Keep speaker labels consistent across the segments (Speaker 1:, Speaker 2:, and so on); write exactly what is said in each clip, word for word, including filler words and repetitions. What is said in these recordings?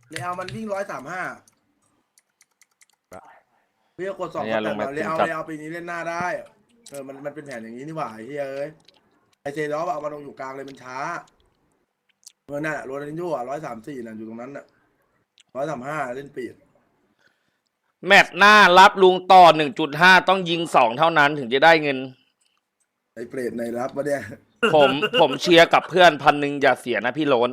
Speaker 1: เรอัลมันวิ่งร้อยสามห้าพี่ก็กดสอง
Speaker 2: เนี่ย
Speaker 1: แต่
Speaker 2: ลง
Speaker 1: แบ
Speaker 2: มา
Speaker 1: บเร
Speaker 2: ถึง
Speaker 1: อัล
Speaker 2: จัด
Speaker 1: เรอัลปีนี้เล่นหน้าได้เออมันมันเป็นแผนอย่างนี้นี่หว่าไอ้เฮ้ยเอ้ยไอเซดอฟเอามาลงอยู่กลางเลยมันช้าเมื่อนั่นอะโรนัลดินโญ่อะร้อยสามสี่น่ะอยู่ตรงนั้นน่ะร้อยสามห้าเล่นปีด
Speaker 2: แมตช์หน้ารับลุงต่อ หนึ่งจุดห้า ต้องยิงสองเท่านั้นถึงจะได้เงิน
Speaker 1: ไอเปรตในรับวะเนี่ย
Speaker 2: ผมผมเชียร์กับเพื่อนพันหนึ่งอย่าเสียนะพี่โล้น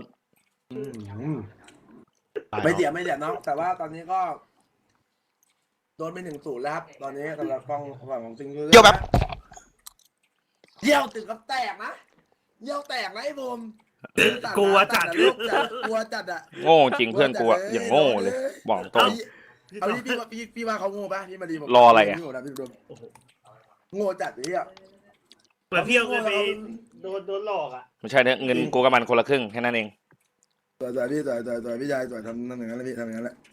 Speaker 1: ไม่เสียไม่เสียน้องแต่ว่าตอนนี้ก็โดนไปหนึ่งศูนย์แล้วครับตอนนี้สำหรับกองฝั่งของซิงเกิล
Speaker 3: เยี่ยวแบบ
Speaker 1: เยี่ยวถึงกับแตกนะเยี่ยวแตกนะไอ้บูม
Speaker 4: กลัวจัด
Speaker 1: ลูกจัดกลัวจัดอะ
Speaker 2: โง่จริงเพื่อนกูอะอย่างโง่เลยบอกตรง
Speaker 1: เอาพี่พี่พี่พี่ว่าเขาโง่ปะพี่มาดีผม
Speaker 2: รออะไรอะ
Speaker 1: โง่นะพี่ดูโง่จัดเลยอ่ะ
Speaker 4: เหมือนพี่เอาเงินไปโดนโดนหลอกอ่ะ
Speaker 2: ไม่ใช่เนี่ยเงินกูกับมันคนละครึ่งแค่นั้นเอง
Speaker 1: ต่อยต่อยพี่ต่อยต่อยต่อยพี่ยายต่อยทำนั่นอย่างนั้นแหละพี่ทำอย่างนั้นแหละ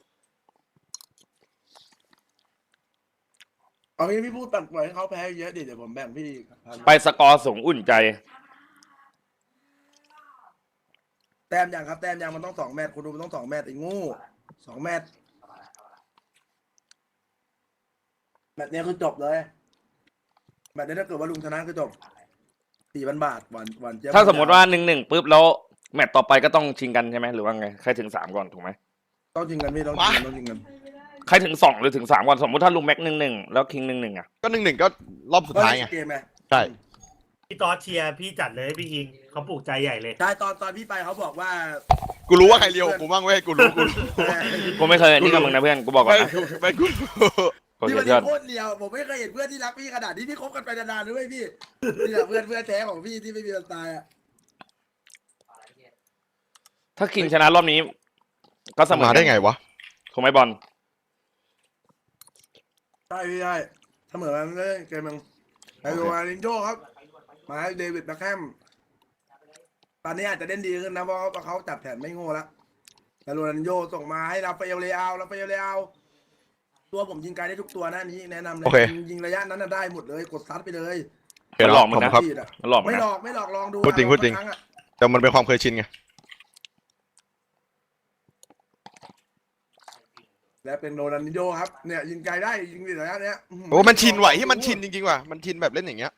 Speaker 1: เอางี้พี่พูดตัดปล่อยให้เขาแพ้เยอะดิเดี๋ยวผมแบ่งพี่
Speaker 2: ไปสกอร์สูงอุ่นใจ
Speaker 1: แต้มยังครับแต้มยังมันต้องสองแมตช์คุณดูมันต้องสองแมตช์ไอ้โง่สองแมตช์แมตช์เนี้ยคือจบเลยแมตช์นี้ถ้าเกิดว่าลุงชนะคือจบสี่พันบาทหวานหวานเจี๊ยบ
Speaker 2: ถ้าสมมติว่าหนึ่งหนึ่งปุ๊บแล้วแมตช์ต่อไปก็ต้องชิงกันใช่ไหมหรือว่าไงใครถึงสามก่อนถูกไหม
Speaker 1: ต้องจริงกันพี่ต้องจริงกันต้องจริงกัน
Speaker 2: ใครถึงสองหรือถึงสามก่อนสมมติถ้าลุงแม็กหนึ่งหนึ่งแล้วคิงหนึ่งหนึ่งอ่ะ
Speaker 3: ก็หนึ่งหนึ่งก็รอบสุดท้ายไง
Speaker 1: เกมไง
Speaker 3: ใช่
Speaker 4: พี่ตอสเชียร์พี่จัดเลยพี่คิงเขาปลูกใจใหญ่เลย
Speaker 1: ใช่ตอนตอนพี่ไปเขาบอกว่า
Speaker 3: กูรู้ว่าใครเลียวกูบ้างเว้ยกูรู้กูรู้
Speaker 2: กูไม่เคยนี่กับมึงนะเพื่อนกูบอกก่อน
Speaker 3: ไม่
Speaker 2: นะ
Speaker 3: ไม่กูรู้
Speaker 2: โอ
Speaker 1: พี่
Speaker 2: เค
Speaker 1: มัน
Speaker 2: เพื่อน
Speaker 1: โคตรเดียวผมไม่เคยเห็นเพื่อนที่รักพี่ขนาดนี้พี่คบกันไปนานๆด้วยพี่นี่แหละเพื่อนเพื่อนแท้ของพี่ที่ไม่มีวันตายอ่ะ
Speaker 2: ถ้าคิงชนะรอบนี้ ก็เสมอ
Speaker 3: มาได้ไงวะ
Speaker 2: ถูกไหมบอล
Speaker 1: ใช่พี่ใช่เสมอกันเลยเกมมึงไอโรนัลดินโญ่ครับมาให้เดวิดแบ็คแฮมตอนนี้อาจจะเล่นดีขึ้นนะเพราะเขาจับแผนไม่โง่แล้วแต่โรนัลดินโญ่ส่งมาให้ราฟาเอลเลอาราฟาเอลเลอาตัวผมยิงไกลได้ทุกตัวนะนี้แนะนำเลยยิงระยะนั้นน่ะได้หมดเลยกดซัดไปเลย
Speaker 2: มันหลอกมึงนะ
Speaker 3: ครับ
Speaker 2: มันหลอกมึง
Speaker 1: ไม่
Speaker 2: นะ
Speaker 1: หลอกไม่หลอกลองดู
Speaker 3: พูดจริงพูดจริง
Speaker 1: ครั้อะ
Speaker 3: แต่มันเป็นความเคยชินไง
Speaker 1: และเป็นโรนัลดินโญ่ครับเนี่ยยิงไกลได้ยิงระยะเนี้ย
Speaker 3: โอ้มันชินไหวที่มันชินจริงๆว่ะมันชินแบบเล่นอย่างเงี้ย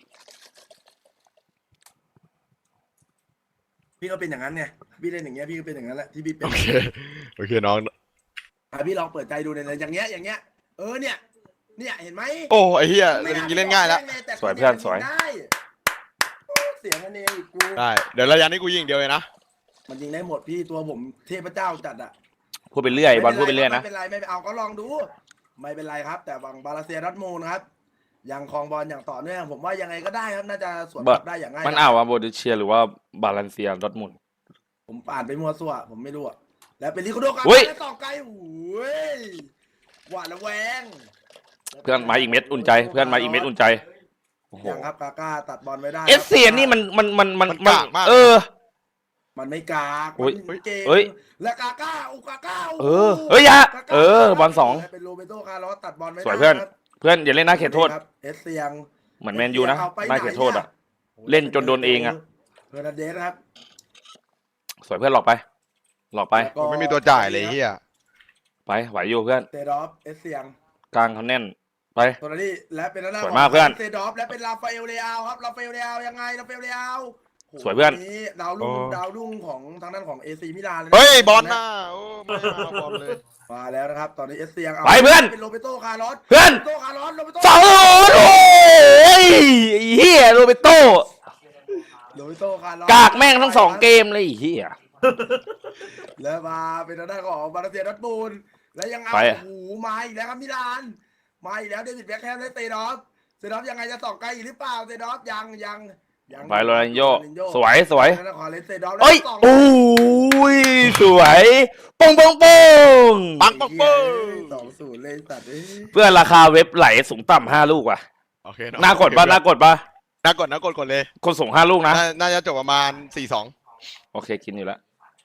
Speaker 1: พี่ก็เป็นอย่างนั้นไงพี่เล่นอย่างเงี้ยพี่ก็เป็นอย่างนั้นแหละที่พี่เป็น
Speaker 3: โอเคโอเคน้อง
Speaker 1: อ่ะพี่ลองเปิดใจดูในอย่างเงี้ยอย่างเงี้ยเออเนี่ยเนี่ยเห็นไหม
Speaker 3: โอ้ไอ้เหี้ยเล่นอย่างงี้เล่นง่ายแล้ว
Speaker 1: แต่
Speaker 2: สวยเพื่อนสวย
Speaker 1: ได้โอ้เสียงมันเองอีกกู
Speaker 3: ได้เดี๋ยวระยะนี้กูยิงเดียวเลยนะ
Speaker 1: มันยิงได้หมดพี่ตัวผมเทพเจ้าจัดอ่ะ
Speaker 2: พูดไปเรื่อยบอลพูดไปเรื่อยนะ
Speaker 1: ไม่เป็นไรไม่เป็นไรเอาก็ลองดู ไม่เป็นไรครับ แต่บังบาลาเซียรัตมูนะครับยังครองบอลอย่างต่อเนื่องผมว่ายังไงก็ได้ครับน่าจะสวนกลับได้อย่างง่าย
Speaker 2: มันอ่าวว่าโบดิเชียหรือว่าบาลานเซียดอร์ทมุนด์
Speaker 1: ผมอ่านไปมัวซั่วผมไม่รู้อะแล้วเป็นลิโคโดกัน
Speaker 2: อุ๊ย
Speaker 1: แล้วต่อไกลโอ้ยหวาดระแวง
Speaker 2: เพื่อนมาอีกเม็ดอุ่นใจ เพื่อนมาอีกเม็ดอุ่นใจโอ้โห
Speaker 1: ยังครับกาก้าตัดบอลไม่ได้
Speaker 2: เอสเซียนี่มันมันมันมัน
Speaker 3: มันกากมาก
Speaker 2: เออ
Speaker 1: มันไม่กาก
Speaker 2: อุ๊ย
Speaker 1: มันเก่ง
Speaker 2: เอ้ย
Speaker 1: และกาก้าอุกาก้า
Speaker 2: เออเอ้ยอย่าเออบอลสอง
Speaker 1: เป็นโรเบโตคาร์ลอสตัดบอลไม่ได้
Speaker 2: สวยเพื่อน
Speaker 1: ครับ
Speaker 2: เพื่อนอย่าเล่นหน้าเขตโทษ
Speaker 1: ครับเอสเซียง
Speaker 2: เหมือนแมนยูนะ
Speaker 1: เอาไป
Speaker 2: หน้าเขตโทษอ่ะ
Speaker 1: ไหน
Speaker 2: เล่นจนโดนเองอะ
Speaker 1: เฮอร์นันเดสครับ
Speaker 2: สวยเพื่อนหลอกไป หลอกไป
Speaker 1: แล้วก็
Speaker 3: ผมไม่มีตัวจ่ายเลยเฮีย
Speaker 2: ไปไหวอยู่เพื่อน
Speaker 1: เซดอฟเอสเซียง
Speaker 2: กลางเขาแน่นไป
Speaker 1: ตัวนี้และเป็นหน้า
Speaker 2: สวยมากเพื่อน
Speaker 1: เซดอฟและเป็นราฟาเอลเลอาครับราฟาเอลเลอายังไงราฟาเอลเลอาโโห
Speaker 2: สวยเพื่อน
Speaker 1: นี้ดาวรุ่งดาวรุ่งของทางด้านของเอซีมิลานเลยนะ
Speaker 3: เฮ้ยบอลมาโอ้ไม่เอาบอลเลย
Speaker 1: มาแล้วนะครับ ตอนนี้เอสเซียงา
Speaker 2: ไปเพื่อน
Speaker 1: เป็นโรเบโตคาร์ลอส
Speaker 2: เพื่อน
Speaker 1: โรเบโตคาร์ลอสโรเบโต
Speaker 2: สองโอ้ยไอ้เฮียโรเบโต
Speaker 1: โรเบโตคาร์ลอส
Speaker 2: กากแม่งทั้งสองเกมเลยไอ้เฮีย
Speaker 1: แล้วมาเป็นทางด้านของบาร์เซียดอร์ทมูลแล้วยังเอา
Speaker 2: ไป
Speaker 1: โอ้โหมาอีกแล้วครับมิลานมาอีกแล้วเดวิดแบ็คแฮมและเซดอฟเซดอฟยังไงจะส่องไกลอีกหรือเปล่าเซดอฟยังยังยัง
Speaker 2: ไปโรนัลโญ่สวยสวย
Speaker 1: แล้วขอเลนเซดอฟ
Speaker 2: เอ้ย
Speaker 1: แล้วส่ง
Speaker 2: โอ้ยสวยปงปงปง
Speaker 3: ปังปังปัง
Speaker 1: สองศูนย์เลยสัตว์เอ้ย
Speaker 2: เพื่อนราคาเว็บไหลสูงต่ำห้าลูกว่ะ
Speaker 3: โอเค
Speaker 2: น่ากดป่ะน่ากดป่ะ
Speaker 3: น่ากดน่ากดกดเลย
Speaker 2: คนส่งห้าลูกนะ
Speaker 3: น่าน่าจะจบประมาณสี่สอง
Speaker 2: โอเคกินอยู่แล้ว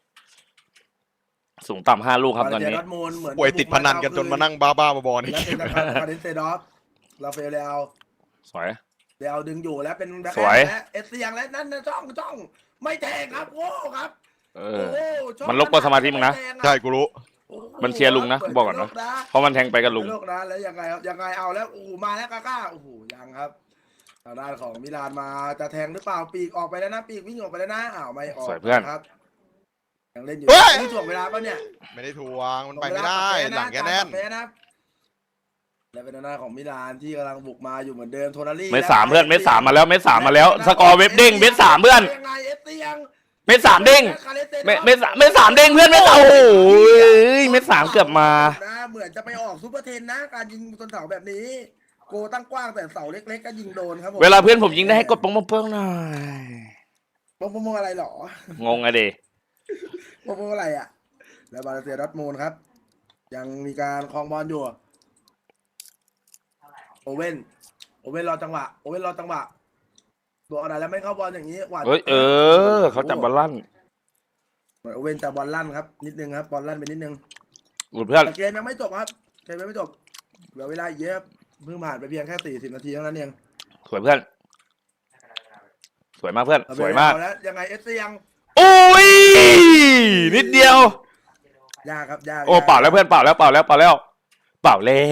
Speaker 2: สูงต่ำห้าลูกครับตอนนี้
Speaker 1: บาร์เซียดอร์ทมูลเหมือน
Speaker 3: ป่วยติดพนันกันจนมานั่งบ้าบ้าๆบอๆใน
Speaker 1: แล้ว
Speaker 3: เก
Speaker 1: เป็น
Speaker 3: ม
Speaker 1: ทางด้านของเลนเซดอฟลาเฟลเลอา
Speaker 2: สวย
Speaker 1: เดี๋ยวดึงอยู่แล้วเป็นแบ็คแฮ
Speaker 2: สวย
Speaker 1: มและเอสเซียงและนั่นนะจ้องจ้องไม่แทงครับโว้ครับ
Speaker 2: เอ
Speaker 1: โอ้
Speaker 2: อ
Speaker 1: โหชอบ
Speaker 2: มันรบกวนสมาธิมึงนะ
Speaker 1: แดงอ
Speaker 3: ใช่กูรู้
Speaker 1: โอ้โห
Speaker 2: มันเชียร์ลุงนะ
Speaker 1: เปิด
Speaker 2: บอกก่อนนะ
Speaker 1: โล
Speaker 2: เพราะมันแทงไปกับลุง
Speaker 1: โลกนะแล้วยังไงครับยังไงเอาแล้วโอ้โหมาแล้วกาก้าโอ้โหยังครับทางด้านของมิลานมาจะแทงหรือเปล่าปีกออกไปแล้วนะปีกวิ่งออกไปแล้วนะอ้าวไม่ออก
Speaker 2: สวยเพื่อน
Speaker 1: ครับยังเล่นอยู่
Speaker 3: เฮ้ย
Speaker 1: นี่ถ่วงเวลาปะเนี่ย
Speaker 3: ไม่ได้ทวงมันไปไม่ได้หลังแกแน่น
Speaker 1: แพ้นะและเป็นทางด้านของมิลานที่กำลังบุกมาอยู่เหมือนเดิมโทนารี่
Speaker 2: เม็ดสามเพื่อนเม็ดสามมาแล้วเม็ดสามมาแล้วสกอร์เว็บเด้งเม็ดสามเพื่อน
Speaker 1: ยังไงเอสเตียง
Speaker 2: เม็ดสามเด้งเม็ดเม็ดสามเม็ดสามเด้งเพื่อนเม็ดสามโอ้โหเม็ดสามเกือบมา
Speaker 1: นะเหมือนจะไปออกซูเปอร์เทนนะการยิงบนเสาแบบนี้ โกตั้งกว้างแต่เสาเล็กๆก็ยิงโดนครับผม
Speaker 2: เวลาเพื่อนผมยิงได้ให้กดปงปงเปิ้งหน่อย
Speaker 1: ปงปงอะไรหรอง
Speaker 2: งอะเด
Speaker 1: ปงปงอะไรอ่ะ แล้วบาเลเซียดอร์ทมูลครับ ยังมีการคลองบอลอยู่โอเว่นโอเว่นรอจังหวะโอเว่นรอจังหวะตัวอะไรแล้วไม่เข้าบอลอย่างนี้หวาน
Speaker 2: เฮ้ยเออเขาจับบอลลั่น
Speaker 1: เหมือนโอเว่นจับบอลลั่นครับนิดนึงครับบอลลั่นไปนิดนึง
Speaker 2: หลุดเพื่อน
Speaker 1: แต่เกมยังไม่จบครับเกมยังไม่จบเหลือเวลาอีกเยอะครับเพิ่งผ่านไปเพียงแค่สี่สิบนาทีเท่านั้นเอง
Speaker 2: สวยเพื่อน สวยมากเพื่อน สวยมาก
Speaker 1: เอแล้วยังไงเอสยัง
Speaker 2: โอ้ยนิดเดียว
Speaker 1: ยากครับยาก
Speaker 2: โอ้เป่าแล้วเพื่อนเป่าแล้วเป่าแล้วเป่าแล้ว เป่าแล้ว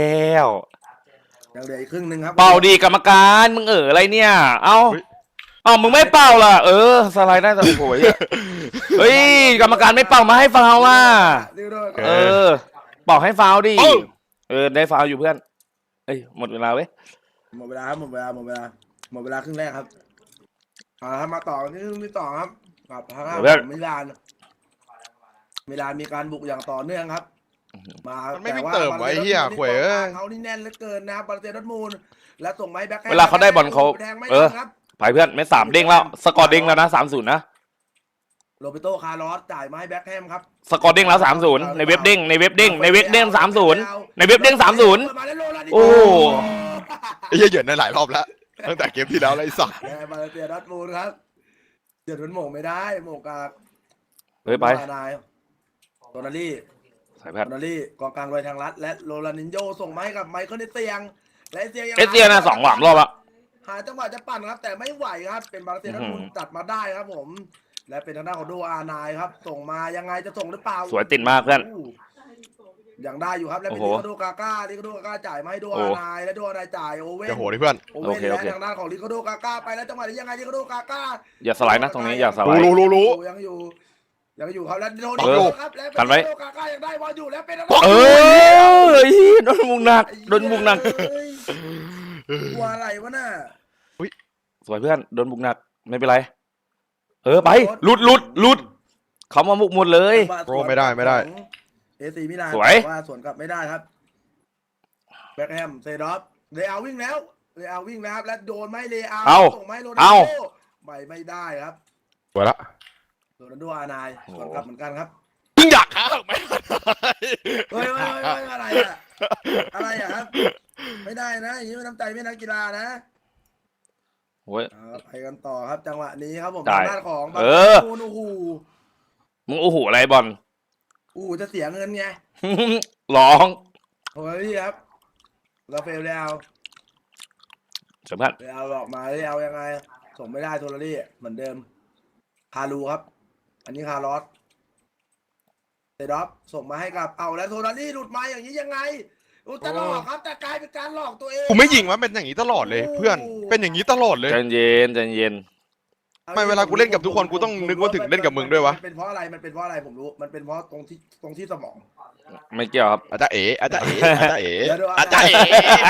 Speaker 1: ยังเหลืออีกครึ่งหนึ่งครับ
Speaker 2: เป่าดีกรรมการมึงเอออะไรเนี่ย เอ้าเอ้ามึงไม่เป่าล่ะ เออสไลด์ได้แต่โอ้โหเฮ้ยกรรมการไม่เป่ามาให้ฟาวล์ว่ะ
Speaker 1: ดิวโดน
Speaker 2: เออเป่าให้ฟาวล์ดิเออได้ฟาวล์อยู่เพื่อนเอ้ยหมดเวลาเว้ย
Speaker 1: หมดเวลาครับหมดเวลาหมดเวลาหมดเวลาครึ่งแรกครับเอาละครับมาต่อที่ครึ่งที่ต่อครับกับทางด้านของมิลานมิลานมีการบุกอย่างต่อเนื่องครับ มา
Speaker 3: มันไม่
Speaker 1: แต่
Speaker 3: วิ่ง
Speaker 1: ว่า
Speaker 3: เติมไว้เหี้ย
Speaker 1: บา
Speaker 3: ข่วยเอ้ย
Speaker 1: เขานี่แน่นเหลือเกินนะบาเลเซียดอร์ทมูลและส่งไม้แบ็ค
Speaker 2: เวลาเขาได้บอลเขา
Speaker 1: แทงไม่
Speaker 2: เอ
Speaker 1: ได้
Speaker 2: อ
Speaker 1: ครับ
Speaker 2: ไปเพื่อนเม็ดสามเด้งแล้วสกอร์เด้งแล้วนะสามศูนย์นะ
Speaker 1: โรเบโตคาร์ลอสจ่ายมาให้แบ็คแฮมครับ
Speaker 2: สกอร์เด้งแล้วสามศูนย์ในเว็บเด้งในเว็บเด้งในเว็บเด้งสามศูนย์ในเว็บเด้งสามศูนย์
Speaker 1: มาแล้วโรนัลดิ
Speaker 2: โอ้
Speaker 3: ไอ้เหี้ยเหยินได้หลายรอบแล้วตั้งแต่เกมที่แล้วแล้วไอ้สัส
Speaker 1: แกบาเลเซียดอร์ทมูลครับเดี๋ยวมันโหม่งไม่ได้โหม่งกับ
Speaker 2: เฮ้ยไป
Speaker 1: นายโรนัลลี่
Speaker 2: สายแพท
Speaker 1: โรนัลลี่กองกลางโดยทางลัดและโรนัลดินโญส่งมาให้กับไมเคิลเอสเซียงและเอสเซียงยัง
Speaker 2: เอสเซียนะสองหวามรอบละ
Speaker 1: หาจังหวะจะปั่นครับ แต่ไม่ไหวครับ เป็นบาเลเซียดอร์ทมูล
Speaker 2: อื้อหือ
Speaker 1: ตัดมาได้ครับผม และเป็นทางด้านของโดอาร์ไนน์ครับ ส่งมายังไงจะส่งหรือเปล่า
Speaker 2: สวยติดมากเพื่อน
Speaker 1: อู้ยังได้อยู่ครับและเป็น
Speaker 2: โอ้
Speaker 1: ลิ
Speaker 2: โห
Speaker 1: คาโดกาก้าลิคาโดกาก้าจ่ายมาให้โด
Speaker 2: โอ้
Speaker 1: อาร์ไนน์และโดอาร์ไนน์จ่ายโอเว่น
Speaker 3: จะโหดิเพื่อน
Speaker 1: โอเว่น
Speaker 2: โอเคโอ
Speaker 1: และ
Speaker 2: เค
Speaker 1: ทางด้านของลิคาโดกาก้าไปแล้วจังหวะนี้ยังไงลิคาโดกาก้า
Speaker 2: อย่าสไลด์นะตรงนี้อย่าสไลด์
Speaker 3: รู้รู้รู้
Speaker 1: ยังอยู่ยังอยู่ครับและโดน
Speaker 3: เออ
Speaker 1: ครับและ
Speaker 2: กันไว้
Speaker 1: ลิคาโดกาก้ายังได้บอลอยู่แล้วเป็นทาง
Speaker 2: เอ
Speaker 1: ด้าน
Speaker 2: อโดนมุงหนักโดนมุงหนัก
Speaker 1: เอ้ยกลัวอะไรวะน่ะ
Speaker 2: สวยเพื่อนโดนบุกหนักไม่เป็นไร เออไปหลุดหลุดหลุดเขามาบุกหมดเลย
Speaker 3: โปรไม่ได้ไม่ได้
Speaker 1: เอซีมิลาน
Speaker 2: สวย
Speaker 1: ว่าสวนกลับไม่ได้ครับแบ็คแฮมเซดอฟเรอัลวิ่งแล้วเรอัลวิ่งแล้วครับและโดนไหม่เรอัล
Speaker 2: เอา
Speaker 1: ส่งไหม่โรนัล
Speaker 2: เอา
Speaker 1: โดไม่ไม่ได้ครับ
Speaker 3: สวยละ
Speaker 1: โรนัลโดอาร์ไนน์สวนกลับเหมือนกันครับ
Speaker 3: มึงอยากฆ่าไหม
Speaker 1: เฮ้ยเฮ้ยเฮ้ยอะไรอะอะไรอะครับ ไม่ได้นะอย่างนี้ไม่น้ำใจไม่นักกีฬานะ
Speaker 2: โว้ย
Speaker 1: เอาไปกันต่อครับจังหวะนี้ครับผม
Speaker 2: ได้
Speaker 1: ทางด้านของบา
Speaker 2: เอ
Speaker 1: ร์
Speaker 2: อ
Speaker 1: โโอ้โห
Speaker 2: มึงโอ้โหอะไรบอล
Speaker 1: อู้จะเสียเงินไง
Speaker 2: ร้อง
Speaker 1: โอ้ยพี่ครับเราเฟลแล้ว
Speaker 2: เสยเพื่อน
Speaker 1: เรอัลออกมาเรอัลยังไง ส่งไม่ได้โทรลี่เหมือนเดิม คารูครับ อันนี้คาร์ลอสเซดอฟส่งมาให้กับเอาแล้วโทรลี่หลุดมาอย่างนี้ยังไงอุตลอกครับ แต่กลายเป็นการหลอกตัวเอง
Speaker 3: กูไม่ยิงวะเป็นอย่างนี้ตลอดเลย เพื่อนเป็นอย่างนี้ตลอดเลย
Speaker 2: ใจเย็นใจเย็น
Speaker 3: ไม่เวลากูเล่นกับทุกคนกูต้องนึกว่าถึงเล่นกับมึงด้วยวะ
Speaker 1: มันเป็นเพราะอะไรมันเป็นเพราะอะไรผมรู้ มันเป็นเพราะตรงที่ตรงที่สมอง
Speaker 2: ไม่เกี่ยวครับ
Speaker 3: อาจารย์เอ๋อาจารย์เอ๋อาจารย์เอ๋
Speaker 1: เดี๋ยวดู
Speaker 3: อาจารย์เอ๋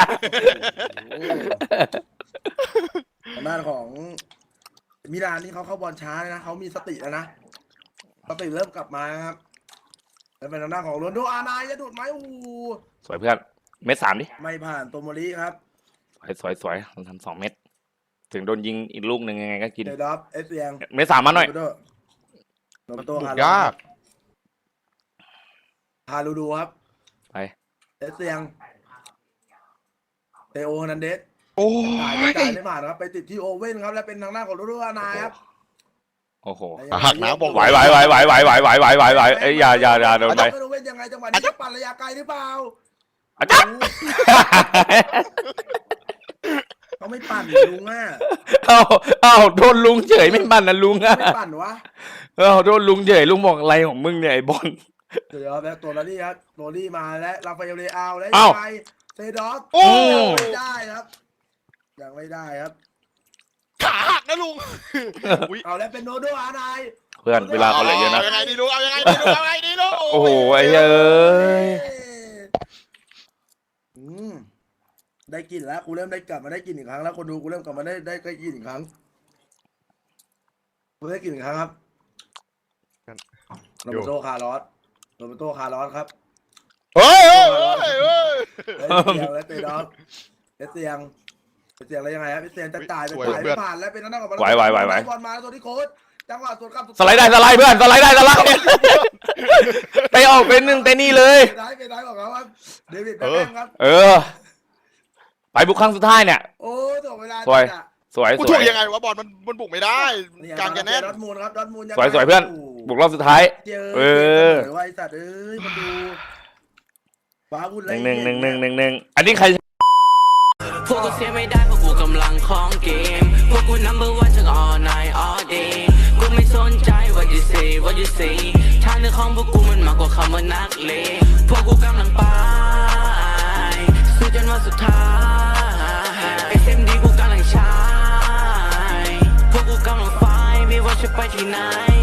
Speaker 1: ทางด้านของมิลานนี่เขาเข้าบอลช้าเลยนะเขามีสติแล้วนะสติเริ่มกลับมาครับแล้วเป็นทางด้านของโรนลโดอาร์ไนน์จะดูดไหมโอ้โห
Speaker 2: สวยเพื่อนเม็ดสามดิ
Speaker 1: ไม่ผ่านโตโมริครับ
Speaker 2: สวยสวยสวยทำสองเม็ดถึงโดนยิงอีกลูกหนึ่งยังไงก็กิน
Speaker 1: เดดอฟเอสเซียง
Speaker 2: เม็ดสามมาหน่อย
Speaker 1: โรเบโต
Speaker 3: บุ
Speaker 1: คาก ร์ล
Speaker 3: ยาก
Speaker 1: ฮารูดูครับ
Speaker 2: ไป
Speaker 1: เอสเซียงเตโอนันเดส
Speaker 3: โอ้
Speaker 1: จ่าย
Speaker 3: ย
Speaker 1: ไม่จ่ายไม่ผ่านครับไปติดที่โอเว่นครับและเป็นทางด้านของโรนลโดอาร์ไนน์ครับ
Speaker 2: โอ้โห
Speaker 3: หักน้ำบอก
Speaker 2: ไหวไหวไหวไหวไหวไหวไหวไหวไหวไหวเอ้ยอย่าอย่าอย่าโดนไป
Speaker 1: โอเว่นยังไงจังหวะนี้จะปั่นระยะไกลหรือเปล่า
Speaker 2: อาจารย์
Speaker 1: เขาไม่ปั่นลุงอ่ะ
Speaker 2: เอ้าเอ้าโดนลุงเฉยไม่มันนะลุงอ่ะ
Speaker 1: เขาไม่ปั่นวะ
Speaker 2: เอ้าโดนลุงเฉยลุงบอกอะไรของมึงเนี่ยไอ้บอล
Speaker 1: เดี๋ยวแล้วตัวนี้ครับตัวนี้มาแล้วราฟาเอลเลอาแล้ว
Speaker 2: เอ้า
Speaker 1: ไปเซดอฟ
Speaker 3: โอ้
Speaker 1: ยังไม่ได้ครับยังไม่ได้ครับ
Speaker 3: ขาหักนะลุงอุ๊ย
Speaker 1: เอาแล้วเป็นโนโดอาร์ไน
Speaker 2: เพื่อนเวลาเขาเหลือเยอะนะ
Speaker 3: ายังไงดีลุงเอายังไงดีลุงเอายังไงดีลุง
Speaker 2: โอ้โหไอ้เหี้ยเอ้ย
Speaker 1: อืมได้กลินแล้วกูเริ่มได้กลับมาได้กลินอีกครั้งแล้วคนดูกูเริ่มกลับมาได้ได้ได้กลินอีกครั้งกูได้กลินอีกครั้งครับโรเบร์โตคาร์ลอสโรเบร์โตคาร์ลอสครับ
Speaker 3: เฮ้ยเฮ้ยเฮ้ยเฮ้ย
Speaker 1: แล้วเตะดอกเอสเซียงเอสเซียงแล้วยังไงครับเอสเซียงจะจ่ายจะ
Speaker 3: สวย
Speaker 1: จ่าย
Speaker 3: เพื่
Speaker 1: ไม่
Speaker 3: อน
Speaker 1: ผ่านแล้วเป็นนั่นกับ
Speaker 2: ไหวไหวไหวไหว
Speaker 1: บอลมาตัวที่โค้ชจังหวะสวนกลับ
Speaker 2: สไลด์ได้สไลด์เพื่อนสไลด์ได้สไลด์ไปออกเป็นหนึ่งแต่นี่เลย
Speaker 1: ไปได้ไปได้ของเขาครับเดวิดแบ็คแฮมครับ
Speaker 2: เออ ไปบุกครั้งสุดท้ายเนี่ย
Speaker 1: โอ้ถ่วงเวลา
Speaker 2: สวย
Speaker 1: จัดอะ
Speaker 2: สวย
Speaker 3: กู
Speaker 2: ส
Speaker 3: ถู
Speaker 2: ว
Speaker 3: ก
Speaker 2: ย
Speaker 3: ยังไงวะบอลมันมันบุกไม่ได้
Speaker 1: เนี่ย
Speaker 3: กลางแกแน่น
Speaker 1: ดอทมูลครับดอทมูลง
Speaker 2: สวยสวยเพื่อน บุกรอบสุดท้าย
Speaker 1: เจอ
Speaker 2: เอ
Speaker 1: เอ
Speaker 2: อ
Speaker 1: อไว้สัตว์เอ้ยมาดูว้าวุ่น
Speaker 2: หนึ่งหนึ่งหนึ่งหนึ่งหนึ่งหนึ่งอันนี้ใคร
Speaker 5: พวกกูเสียไม่ได้เพราะกูกำลังของเกม พวกกู number one ทั้ง all night all day กูไม่สนใจ what you say what you say ทางเดินของพวกกูมันมากกว่าคำว่านักเลงพวกกูกำลังไปสู้จนวันสุดท้าย เอส เอ็ม ดี กูกำลังใช้พวกกูกำลังไฟไม่ว่าจะไปที่ไหน